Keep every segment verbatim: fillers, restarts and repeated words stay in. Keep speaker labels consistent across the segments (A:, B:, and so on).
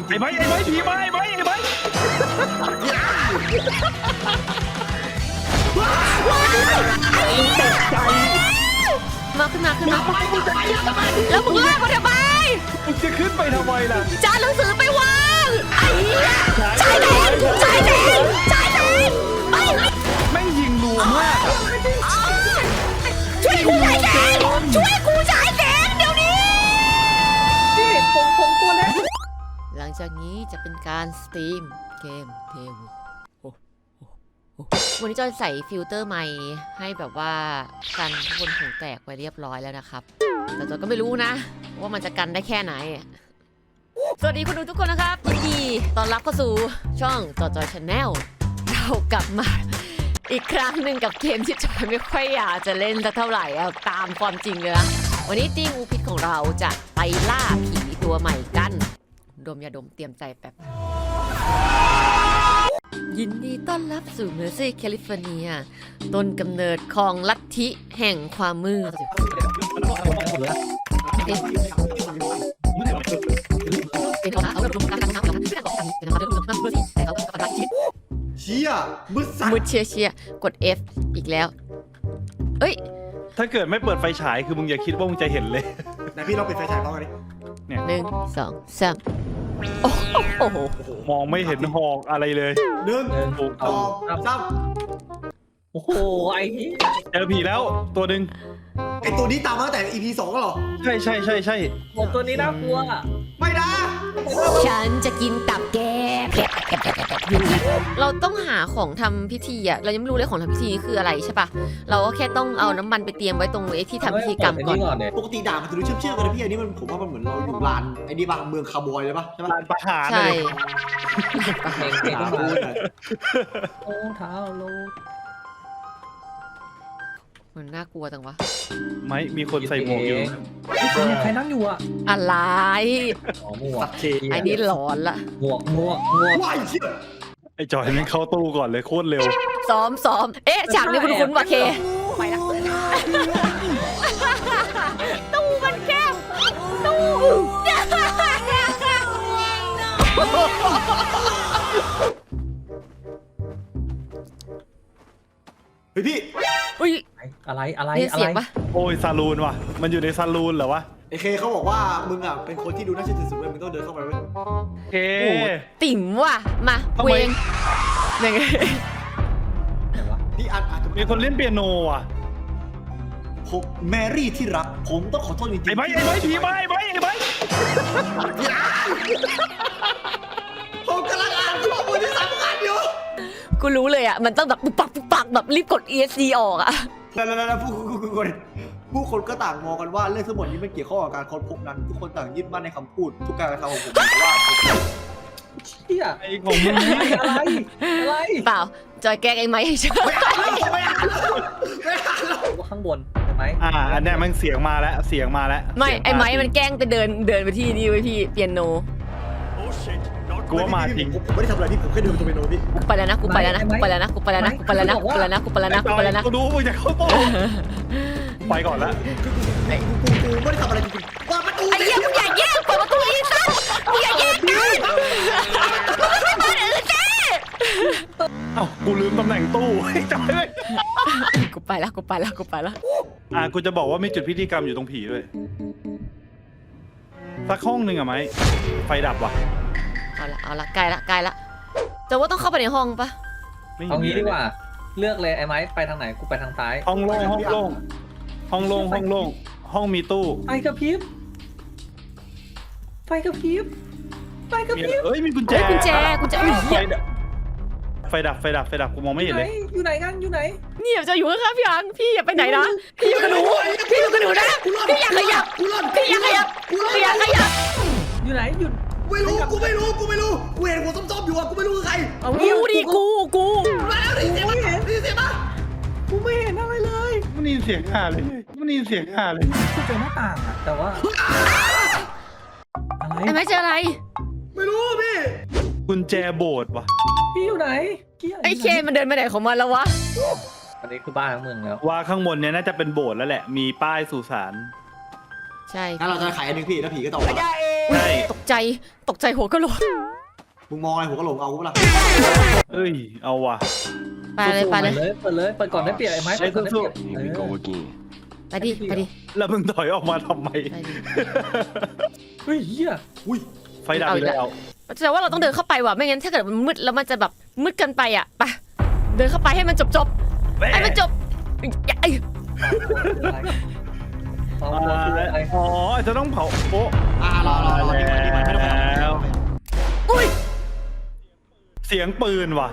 A: ไอ้ไม้ไอ้ไม้ผีไม้ไอ้ไม้ไอ้ไม้ตกใจ
B: มาขึ้นมาขึ้นมาแล้วมึงลากมาทำไม
A: มึงจะขึ้นไปทำไมล่ะ
B: จานหนังสือไปวางไอ้ชายแดนชายแดนชายแดนไอ้
A: แม่งยิงรัวมาก
B: ช่วยกูชายแดนช่วยกูชายแดนเดี๋ยวนี้
C: นี่ผมผมตัวเล็ก
B: หลังจากนี้จะเป็นการสตรีมเกมเทววันนี้จอยใส่ฟิลเตอร์ใหม่ให้แบบว่ากันทุกคนหูแตกไปเรียบร้อยแล้วนะครับแต่จอยก็ไม่รู้นะว่ามันจะกันได้แค่ไหนสวัสดีคุณดูทุกคนนะครับยินดีต้อนรับเข้าสู่ช่องจอยจอยชาแนลเรากลับมาอีกครั้งหนึ่งกับเกมที่จอยไม่ค่อยอยากจะเล่นสักเท่าไหร่ตามความจริงเลยนะวันนี้ตีงูพิษของเราจะไปล่าผีตัวใหม่กันดมยาดมเตรียมใจแป๊บยินดีต้อนรับสู่เมอร์ซี่แคลิฟอร์เนียต้นกำเนิดของลัทธิแห่งความมืด
C: เชี่ยมืดสัตว์
B: มืดเชียเชียกด F อีกแล้วเอ้ย
A: ถ้าเกิดไม่เปิดไฟฉายคือมึงอย่าคิดว่ามึงจะเห็นเลย
C: นะพี่เราปิดไฟฉายพร้อมกันดิ
A: เนี่ย
B: หนึ่งสองสามโอ้โห
A: มองไม่เห็นหอกอะไรเลย
C: หนึ่งสองสาม
D: โอ้โหไอ้
A: เจอผีแล้วตัวหนึ่ง
C: ไอตัวนี้ตามมาตั้งแต่ อี พี สองก็หรอ
A: ใช่ใช่ใช่ใช่
D: ตัวนี้น่ากลัว
C: ไม่นะ
B: ฉันจะกินตับแกเราต้องหาของทำพิธีอะเรายังไม่รู้เลยของทำพิธีคืออะไรใช่ปะเราก็แค่ต้องเอาน้ำมันไปเตรียมไว้ตรงไอ้ที่ทำพิธีกรรมก่อน
C: ปกติด่ามันจะดูเชื่อมเชื่อกันนะพี่อันนี้มันผมว่ามันเหมือนเราอยู่ลานไอ้นี่บางเมืองคาร์บอยเลยปะใช่ปะ
A: ลานประหาร
B: ใช่
D: ประหารเก่งมากโอ้เท้าโล
B: มันน่ากลัวจังวะ
A: ไม่มีคนใส่หมวกอยู่
D: ใครนั่งอยู่อะ
B: อะไร
D: อ๋อหมวก
B: ไอ้นี่หลอนละ
D: หมวกหมวกหมวก
C: ว้ายเชี่ย
A: ไอ้จอยมันเข้าตู้ก่อนเลยโคตรเร็ว
B: ซ้อมซ้อมเอ๊ะฉากนี้คุ้นๆว่ะเคไปละตู้มันแคบตู้
C: เฮ้ยพี่
B: อุ้ย
D: อะไรอะไร
B: อะไร
A: โอ้ยซาลูนว่ะมันอยู่ในซาลูนเหรอวะ
C: ไอเคเขาบอกว่ามึงอ่ะเป็นคนที่ดูน่าเชื่อถือสุดเลยมึงต้องเดินเข้าไปเว้ย
A: เค
B: ติ่มว่ะมาเวงยังไง
C: พี่อาจอาจจะ
A: มีคนเล่นเปียโนว่ะ
C: ผมแมรี่ที่รักผมต้องขอโทษจริงๆ
A: ไอ้ไม้ไอ้ไม้ผีไม้ไอ้ไม้ไอ้ไม้
C: ผมกำลังอ่านข้อมูลที่สำคัญอยู่
B: กูรู้เลยอ่ะมันต้องแบบปุ๊บปักปุ๊บปักแบบรีบกด อี เอส ซี ออกอ่ะ
C: แล้วแล้วแล้วผู้คนผู้คนก็ต่างมองกันว่าเรื่องทั้งหมดนี้มันเกี่ยวข้องกับการค้นพบนั้นทุกคนต่างยึดมั่นในคำพูดทุกการกระทำของผมว่า
D: เชี่ย
A: ไอ้ของมึง
D: อะไรอะไร
B: เปล่าจอยแกล้งไอ้ไม้ให้เชื่อ
C: ไม่อ่านแล้วไม่อ่านแล้วไม่อ่านแล้ว
D: ว่าข้างบนใช่ไหม
A: อ่าอันนี้มันเสียงมาแล้วเสียงมาแล้ว
B: ไม่ไอ้ไม้มันแกล้งไปเดินเดินไปที่นี่ไว้พี่เปียโน
A: กูว่ามาจริง
C: ผมไม่ได้ทำอะไรพี่ผมแค่เดินไปตรงเปียโนพี่
B: กูไปแล้วนะกูไปแล้วนะกูไปแล้วนะกูไปแล้วนะกูไปแล้วนะกูไปแล้วนะกูไปแล้วนะกูไปแล้วนะ
A: กูรู้มึงจะเข้าตู้ไปก่อนละ
C: คือกูกูกูไม่ได้ทำอะไรจริงๆว่าประตู
B: ไอ้เหี้ยมึงอย่าแย่งเปิดประตูอีสัตว์มึงอย่าแย่งกันมึงไม่เปิดอื่นเจ๊
A: เอ้ากูลืมตำแหน่งตู้จำไม่
B: กูไปแล้วกูไปแล้วกูไปแล้ว
A: อ่ะกูจะบอกว่ามีจุดพิธีกรรมอยู่ตรงผีด้วยสักห้องหนึ่งอะไหมไฟดับว่ะ
B: เอาละเอาละใกล้ละใกล้ละแต่ว่าต้องเข้าไปในห้องปะ
D: เอางี้ดีกว่าเลือกเลยไอ้ไม้ไปทางไหนกูไปทางซ้าย
A: ห้องโล่งห้องโล่งห้องโล่งห้องโล่งห้องมีตู้
D: ไฟกระพริบไฟกระพริบไฟกระพริบ
A: เอ้ยมีกุญแจ
B: กุญแจกุญแจ
A: ไฟดับไฟดับไฟดับกูมองไม่เห็นเลย
D: อยู่ไหนกันอยู่ไหน
B: นี่จะอยู่ข้างๆพี่อังพี่อย่าไปไหนนะพี่อยู่กับหนูพี่อยู่กับหนูนะพี่อยากขยับพี่อยากขยับพี่อยากขยับ
D: อยู่ไหนหยุด
C: ไม่รู้กูไม่รู้กูไม่รู้กูเห็นหัวส้มๆอยู่อ่ะกูไม่รู้คือใคร
B: เอากูดิกูกู
C: มาแล้วได้ยินเสียงมั้ยได้ยินเสียงมั้ย
D: กูไม่เห็นอะไรเลย
A: มันได้ยินเสียงห่าเลยมันได้ยินเสียงห่าเลย
D: กูเจอหน้าต่างอะแต่ว่าอะไร
B: ไอ้ไม่เจออะไร
C: ไม่รู้พี่
A: กุญแจโบสถ์วะ
D: พี่อยู่ไหน
B: ไอ้เคมันเดินไปไหนของมันแล้ววะ
D: อันนี้คือบ้านทั้งเมืองแล้ว
A: ว่าข้างบนเนี้ยน่าจะเป็นโบสถ์แล้วแหละมีป้ายสุสาน
B: ใช่
C: งั้นเราจะขายอันนึงพี่แล้วผีก็ตอบ
B: ไม่ได้เอง
A: ใช่
B: ตกใจตกใจหัวกะโหลก
C: มึงมองอะไรหัวกะโหลกเอากูเปล่า
A: เอ้ยเอาว่ะ
B: ไปเลยไปเลย
D: เปิดเลยเปิดก่อนได้เปรียบไอ้ไม้เปิดก่อนได้เปรียบ
E: Here we go again.
B: ไปดิไปดิ
A: แล้วมึงถอยออกมาทำไม
B: ไปดิ
D: เฮ้ยเฮีย
C: อุ้ย
A: ไฟดับอีกแล้ว
B: แต่ว่าเราต้องเดินเข้าไปว่ะไม่งั้นถ้าเกิดมันมืดแล้วมันจะแบบมืดเกินไปอ่ะไปเดินเข้าไปให้มันจบจบๆให้มันจบไอ้
D: เอา
A: อ่า
D: ตัวคืออะไร
A: อ๋อจะต้องเผาโป๊ะ
C: อ่ารอรอรอดีมันดีมันไม่ต้อง
A: แล้ว
B: อุ้ย
A: เสียงปืนว่ะ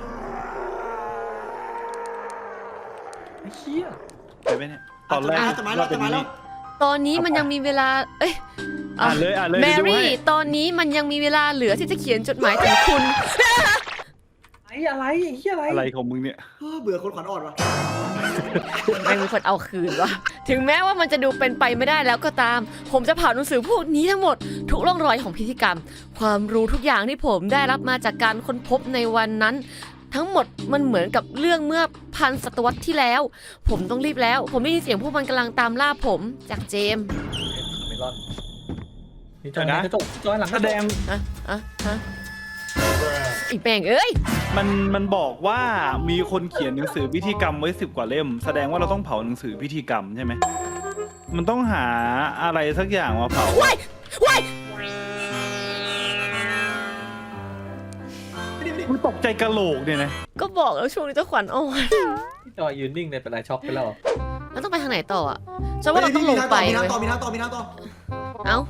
D: ไอ้เฮีย
A: เห็นไหมเนี่ยตอนแรก
C: จะมาแล้วจะมาแล้ว
B: ตอนนี้มันยังมีเวลาเอ้ย
A: อ่านเลยอ่านเลย
B: แม
A: เดี๋ยวดู
B: รี่
A: ให้
B: ตอนนี้มันยังมีเวลาเหลือที่จะเขียนจดหมายถึงคุณ
D: ไอ้อะไรไอ้เฮียอะไร
A: อะไรของมึงเนี่ย
C: เออเบื่อคนขวัญอ่อนว่ะ
B: ไม่มีคนเอาคืนวะถึงแม้ว่ามันจะดูเป็นไปไม่ได้แล้วก็ตาม ผมจะเผาหนังสือพวกนี้ทั้งหมด ทุกร่องรอยของพิธีกรรม ความรู้ทุกอย่างที่ผมได้รับมาจากการค้นพบในวันนั้น ทั้งหมดมันเหมือนกับเรื่องเมื่อพันศตวรรษที่แล้ว ผมต้องรีบแล้ว ผมได้ยินเสียงพวกมันกำลังตามล่าผมจากเจมส์
D: เมลอนนี่จอยนะกระจกจอยหลัง
A: แสดง
B: อะอะฮะอีแปงเอ้ย
A: มันมันบอกว่ามีคนเขียนหนังสือพิธีกรรมไว้สิบกว่าเล่ม แสดงว่าเราต้องเผาหนังสือพิธีกรรมใช่ไหมมันต้องหาอะไรสักอย่างมาเผา
B: ว้ายว้าย
A: มึงตกใจกะโหลกเนี่ยนะ
B: ก็บอกแล้วช่วงนี้เจ้าขวัญอ่อน
D: จอยยืนนิ่งเลยเป็นไรช็อกไปแล้ว
B: แล้วต้องไปทางไหนต่ออ่ะฉันว่าเราต้องลงไป
C: มี
B: เว้ย
C: น้ำต่อมีน้ำต่อมีน้ำต่อ
B: เอ้า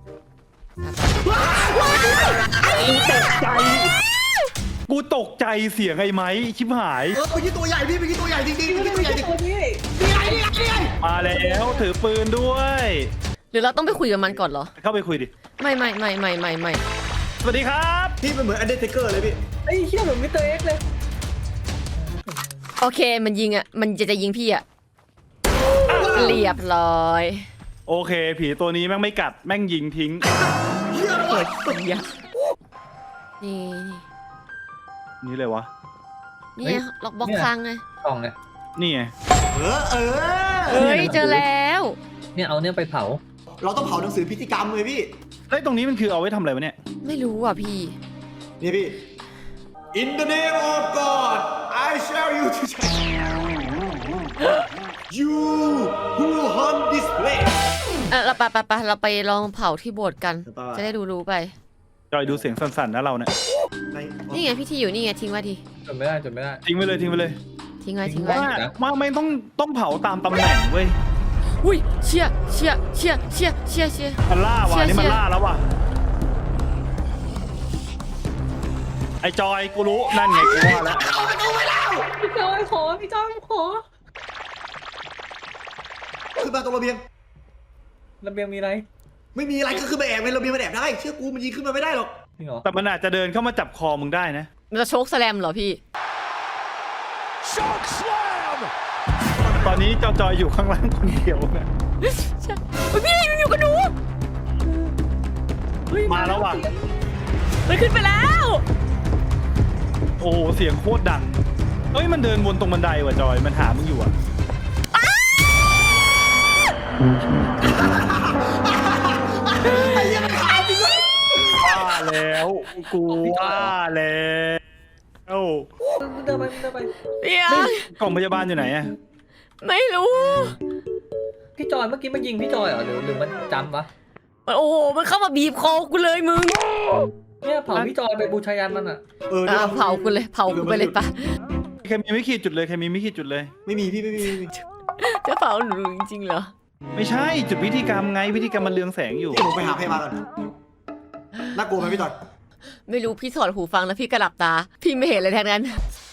A: กูตกใจเสียงไอ้ไม้ชิบหาย
C: เออเมื่อกี้ตัวใหญ่พี่เมื่อกี้ตัวใหญ่จริงๆเมื่อกี้ตัวใหญ่จริง
D: ตัวนี้
C: ๆนี่ไงนี่ไงนี่ไง
A: มาแล้วถือปืนด้วย
B: หรือเราต้องไปคุยกับมันก่อนเหรอ
A: เข้าไปคุยดิ
B: ไม่ไม่ไม่ไม่ไม่ไม่
A: สวัสดีครับ
C: พี่มันเหมือนอันเดอร์เทเกอร์เลยพี่
D: ไอ้เฮียเหมือนมิสเตอร์เอ็กซ์เลย
B: โอเคมันยิงอ่ะมันจะจะยิงพี่อ่ะเรียบร้อย
A: โอเค ผีตัวนี้แม่งไม่กัดแม่งยิงทิ้ง
C: เฮีย
B: เปิดเสียนี่
A: นี่เลยวะ
B: นี่ไงล็อกบล็อกคลังไง
D: กล่องไง
A: นี่ไง
C: เออเออ
B: เอ้ยเจอแล้ว
D: เนี่ยเอาเนี่ยไปเผา
C: เราต้องเผาหนังสือพิธีกรรมเลยพี่
A: ไอ้ยตรงนี้มันคือเอาไว้ทำอะไรวะเนี่ย
B: ไม่รู้อ่ะพี่
C: นี่พี่ In the name of God I shall you to you who hunt this place
B: เออเราไปไปไปเราไปลองเผาที่โบสถ์กัน
C: ไปไป
B: จะได้ดูรู้ไป
A: จอยดูเสียงสั่นๆนะเราเนี่ย
C: ใน
B: นี่ไงพี่ที่อยู่นี่ไงทิ้งไว้ที
D: จนไม่ได้จนไม่ได้
A: ทิ้งไปเลยทิ้งไปเลย
B: ทิ้งไว้ทิ้งไว้
A: ว่าว่าไม่ต้องต้องเผาตามตำแหน่งเว้ย
B: อุ้ยเชี่ยเชี่ยเชี่ยเชี่ยเชี่ยเชี่ย
A: มันล่าว่ะ
B: เชี่ย
A: นี่มัน
B: เชี่ย
A: ล่าแล้วว่ะไอ้จอยกูรู้นั่นไงกูว่าแล้ว
D: พี่จอยขอพี่จอยขอ
C: ขึ้นมาตรงระเบียง
D: ระเบียงมีอะไร
C: ไม่มีอะไรก็ขึ้นมาแอบในระเบียงมันแอบได้ เชื่อกูมันยิงขึ้นมาไม่ได้หรอก
D: จริงเหรอ
A: แต่มันอาจจะเดินเข้ามาจับคอมึงได้นะ
B: มันจะโชกแสลมเหรอพี่
A: ตอนนี้จอยจอยอยู่ข้างล่างคนเดียวนะ
B: ใช่เฮ้ยพี่มันอยู่กับหนู
D: เฮ้ย
A: มาแล้วว่ะ
B: มันขึ้นไปแล้ว
A: โอ้โหเสียงโคตรดังเอ้ยมันเดินวนตรงบันไดว่ะจอยมันหามึงอยู่อ่ะ
C: ไอ้เหี้ยังขาจริงเลย
A: ว่าแล้วกูว่าแล้ว
D: มึงเดินไปมึงเดินไป
B: เดี๋ยว
A: กล่องพยาบาลอยู่ไหนอะ
B: ไม่รู้
D: พี่จอยเมื่อกี้มันยิงพี่จอยเหรอหรือหรือมันจำวะ
B: โอ้โหมันเข้ามาบีบคอกูเลยมึง
D: เนี่ยเผาพี่จอยไปบูชายันมันอ่ะ
C: เออ
B: อ่ะเผากูเลยเผากูไปเลยปะ
A: ใครมีไม่ขีดจุดเลยใครมีไม่ขีดจุดเลย
C: ไม่มีพี่ไม่มีไม่มี
B: จะเผาหนูจริงๆเหรอ
A: ไม่ใช่จุดพิธีกรรมไงพิธีกรรมมันเรืองแสงอยู่
C: เดี๋ยวผมไปหาพยาบาลก่อนน่ากลัวไหมพี่จอย
B: ไม่รู้พี่ถอดหูฟังแล้วพี่กระหลับตา พี่ไม่เห็นเลยแทนนั้น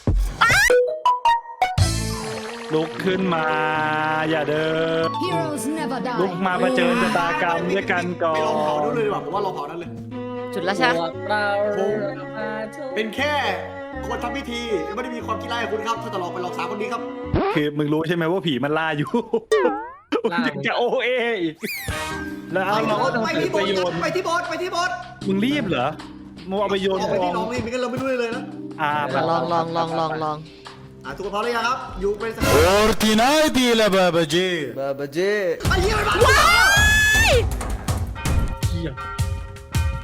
A: ลุกขึ้นมา อย่าเดิน
F: Heroes never
A: ลุก
F: die.
A: มาเผชิญชะตากรรมด้วยกันก่อ
C: ไปลองเผาดู
A: น
C: เลยดีกว่าผมว่าลองเผานั้นเลย
B: จุดแล้วใช่ไหม
D: ตัวเรามาชม
C: เป็นแค่คนทำพิธีไม่ได้มีความคิดร้ายกับคุณครับ ถ้าจะลองไปลองสาวคนนี้ครับ
A: คือมึงรู้ใช่ไหมว่าผีมันล่าอยู่มึงยังจะโอเออีกแล้วเอาเราก็ต้อง
C: ไป
A: ถือ
C: ที่โบ
A: ไป
C: ส
A: โย
C: ถ์
A: น
C: ไปที่โบสถ์ไปที่โบสถ์
A: มึงรีบเหรอมึงเอาไปโยน
C: เอา
A: ก
C: ไป
A: อ
C: ที่
A: ง
C: น้องนี่ไม่งั้นเราไม่รู้เลยนะ
A: อ่า
B: อ่ะลองลองลองลองลอง
C: อ่ะทุกคนพร้อมหรือยังครับ อยู่เป็นสัก
E: Fortnite la baba J.
C: ไอ้เหี้ยมันมา
D: เหี้ย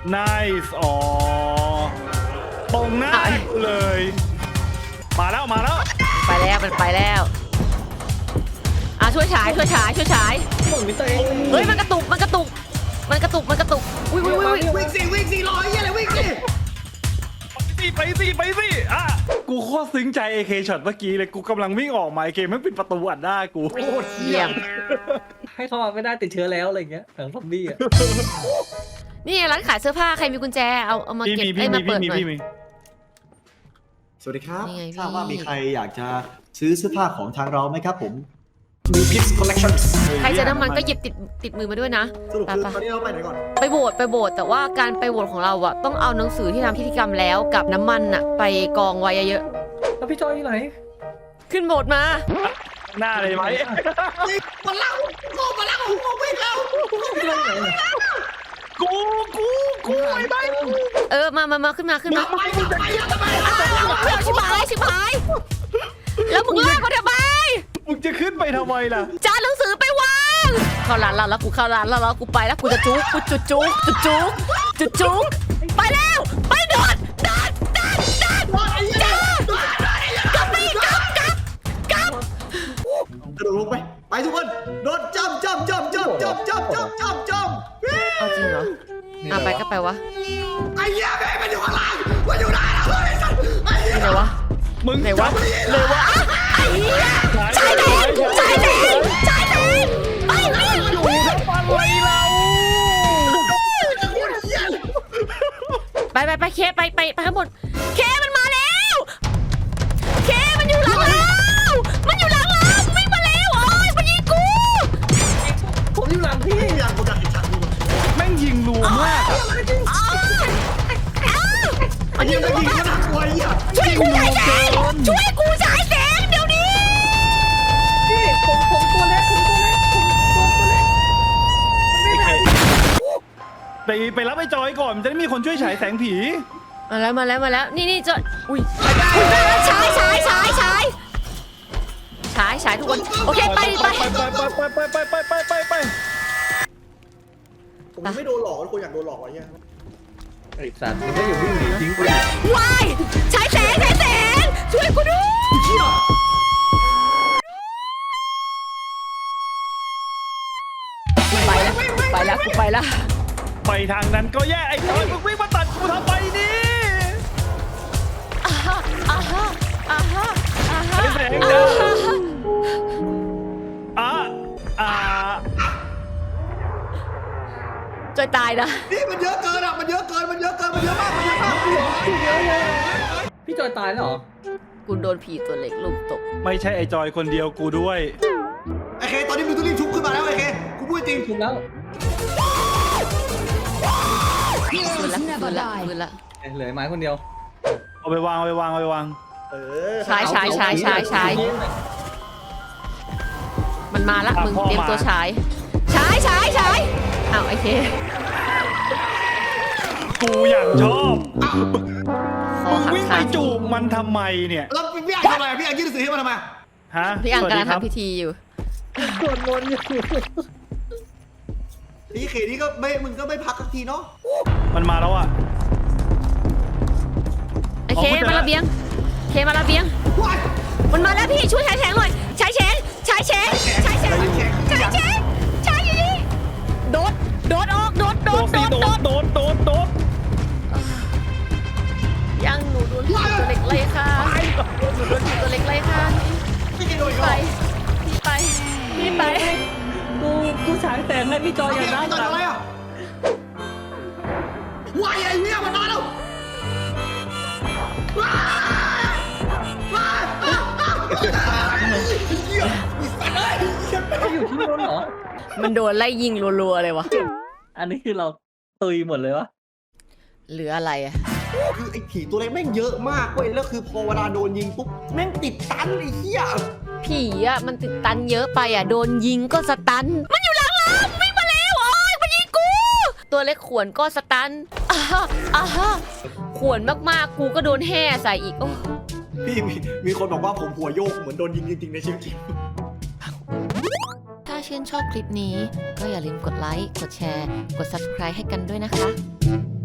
A: nice อ๋อตรงหน้ากูเลย มาแล้วมาแล้ว
B: ไปแล้วมันไปแล้วอ่ะช่วยฉายช่วยฉายช่วยฉาย
D: ผมมีตัวเอง
B: เฮ้ยมันกระตุกมันกระตุกมันกระตุกมันกระตุกอุ้ยอุ้ยอุ้ย
C: วิ่งสิวิ่งสิรอไอ้เหี้ยอะไรวิ่งสิ
A: ไปสิไปสิอ่ะกูโคตรซึ้งใจ เอ เค ช็อตเมื่อกี้เลยกูกำลังวิ่งออกมา เอ เค ไม่ปิดประตูอัดหน้ากู
C: โอ้ย
B: เยี่ยม
D: ให้เขามาไม่ได้ติดเชื้อแล้วอะไรอย่างเงี้ยหนังซอมบี้อ่ะ
B: นี่ไงร้านขายเสื้อผ้าใครมีกุญแจเอาเอามา
A: พี่
B: เก็บ
A: มี
B: ไอ้
A: พี่
B: ย
A: มี
B: มาเปิ
A: พี่
B: ด
A: มี
B: หน่อย
A: พี่มี
C: สวัสดีครับ
B: นี่ไงพี่
C: ทราบว่ามีใครอยากจะซื้อเสื้อผ้าของทางเราไหมครับผมมีพิกซ์คอลเลคชั่น
B: ใครเจอน้ำมันก็หยิบติดติดมือมาด้วยนะ
C: สรุปคือ
B: ไปๆ
C: ตอนนี้เราไปไหนก่อน
B: ไปโบสถ์ไปโบสถ์แต่ว่าการไปโบสถ์ของเราอะต้องเอาหนังสือที่ทำพิธีกรรมแล้วกับน้ำมันอะไปกองไว้เยอะ
D: แล้วพี่จอยอยู่ไหน
B: ๆขึ้นโบสถ์มา
A: หน้าเลยไหม
C: มาเล่าโง่มาเล่าโง่วิ่งแล้ว
D: พี่จอยอยู่ไหน
A: กูกูกูไอ้บ้า
B: เออมามามาขึ้นมาขึ้นมา
C: ไปไปไปทำไม
B: เอาชิบหายชิบหายแล้วมึงลากเขาทำไม
A: มึงจะขึ้นไปทำไมล่ะ
B: จานหนังสือไปวางเข้าร้านเราแล้วกูเข้าร้านเราแล้วกูไปแล้วกูจะจุกกูจุดจุกจุดจุกจุดจุกไปแล้วไปโดดโดดโดดโดดจ้ากลับไปกลับกลับกลับ
C: กระโดดลงไปไปทุกคนโดดจำจำจำจำจำจำจำจำจำ
B: เอาจริงเหรออ่ะไปก็ไปวะ
C: ไอ้เหี้ยแม่งมันอยู่ข้างล่างมันอยู่ไหนแล้วไอ้สัตว์ไอ้เหี้ย
B: ไหนวะ
A: มึง
B: ไหนวะไหนวะไอ้เหี้ยชายแดนชายแดนชายแดนไปไป
A: อยู่ทำอะไรเรา
B: ไปไปไปเคไปไปไปทั้งหมดเคมันมาแล้วเคมันอยู่หลังเรามันอยู่หลังเราวิ่งมาแล้วโอ้ยมันยิงกู
D: ผมอยู่หลังพี่
C: อยากกูดักไอ้ชักดู
A: แม่งยิงรัวมากอะ
B: อ้าวอ้าวมันยิง
C: จะ
B: กู
C: ยิงขนาดกูไอ้เหี้ย
B: ช่วยกูฉายแสงช่วยกูฉายแสงเดี๋ยวนี้
D: พี่ผมผมตัวเล็กผมตัวเล็กผมตัวตัวเล็กมันไม่ได้
A: ไปไปรับไอ้จอยก่อนมันจะได้มีคนช่วยฉายแสงผี
B: มาแล้วมาแล้วมาแล้วนี่นี่จออุ้ยฉายฉายฉายฉายฉายฉายทุกคนโอเคไปไป
A: ไปไปไปไปไปไปไปไป
C: ผมไม่โดนหลอกคนอยากโดนหลอกไอ้เหี้ย
D: ไอ้สัตว์มันก็อยู่วิ่งหนีทิ้งกูเลย
B: วายฉายแสงฉายแสงช่วยกูด้วยไปแล้วไปแล้วกูไปแล้ว
A: ไปทางนั้นก็แย่ไอ้จอยมึงวิ่งมาตัดกูทำไมนี่
B: อ่าฮะอ่าฮะอ่าฮะอ่าฮะ
A: ฉายแสง
B: อ่า
A: เด้อ
B: ฮะ
A: อ่ะอ่า
B: จอยตายนะ
C: นี่มันเยอะเกินอ่ะมันเยอะเกินมันเยอะเกินมันเยอะมากมันเยอะมาก
D: พี่จอยตายแล้วเหรอ
B: กูโดนผีตัวเล็กลุมตบ
A: ไม่ใช่ไอ้จอยคนเดียวกูด้วย
C: ไอ้เคตอนนี้มึงต้องรีบชุบขึ้นมาแล้วไอ้เคกูพูดจริง
D: ถูกแล้ว
B: คืนละคืนละคืนละ
D: เหลือไม้คนเดียว
A: เอาไปวางเอาไปวางเอาไปวาง
C: เออ
B: ฉายฉายฉายฉายฉายมันมาละมึงเตรียมตัวฉายฉายฉายฉายอ้าวไอเค
A: กูอย่างชอบ
B: คอ
A: มึง
B: หัก
A: วิ่งไป
B: ขา
A: จูบมันทำไมเนี่ย
C: แล้วพี่อ่างทำไมพี่อ่างยื่นหนังสือให้มันทำไม
A: ฮะ
B: พี่อัง
A: สวัส
B: กำ
A: ดี
B: ลัง
A: ครับ
B: ทำพิธีอยู่
D: สวดมนต์อยู่
C: พี่เคนี่ก็ไม่มึงก็ไม่พักสักทีเนาะ
A: มันมาแล้วอ่ะ
B: ไอเค
A: อ๋อเข้าใจ
B: มา
A: ละ
B: ระเบียงเคมาระเบียง
C: ว้าย
B: มันมาแล้วพี่ช่วยฉายแฉงหน่อยฉายแฉงฉายแฉงฉายแฉงฉายแฉงฉายอยู่นี่โดดโดดออกโดดโด
A: โด
B: ด
A: ด
B: โด
A: สิ
B: ด
A: โด
B: โด
A: ด
B: ด
A: โดดโดดโดด
B: ยังหนูโดนผีตัวเล็กเลยค่ะหนูโดนผีตัวเล็กเลยค่ะ
C: พี่เคโดนอีก
B: ไป
C: แล้ว
B: พี่ไปพี่ไป
D: กูกูฉายแสงให้พี่จอยอย่างนั้น
C: พี่จอยอะไรอ่ะว้ายไอ้เหี้ยมันมาแล้วว้ายว้ายเหี้ยมีสัตว์เลย
D: เขาอยู่ที่นู้นเหรอ
B: มันโดนไล่ยิงรัวๆเลยวะ
D: อันนี้คือเราตุยหมดเลยวะ
B: เหลืออะไรอะ
C: คือไอ้ผีตัวเล็กแม่งเยอะมากเว้ยแล้วคือพอเวลาโดนยิงปุ๊บแม่งติดตันไอ้เหี้ย
B: ผีอะมันติดตันเยอะไปอะโดนยิงก็สตัน มันอยู่หลังเราวิ่งมาแล้วโอ้ยมันยิงกู ตัวเล็กขวนก็สตันอ่าฮะอ่าฮะขวนมากๆกูก็โดนแห่ใส่อีกโอ้
C: พี่มีมีคนบอกว่าผมหัวโยกเหมือนโดนยิงจริงๆในชีวิตจริง
B: ถ้าชื่นชอบคลิปนี้ก็อย่าลืมกดไลค์ กดแชร์ กด ซับสไครบ์ ให้กันด้วยนะคะ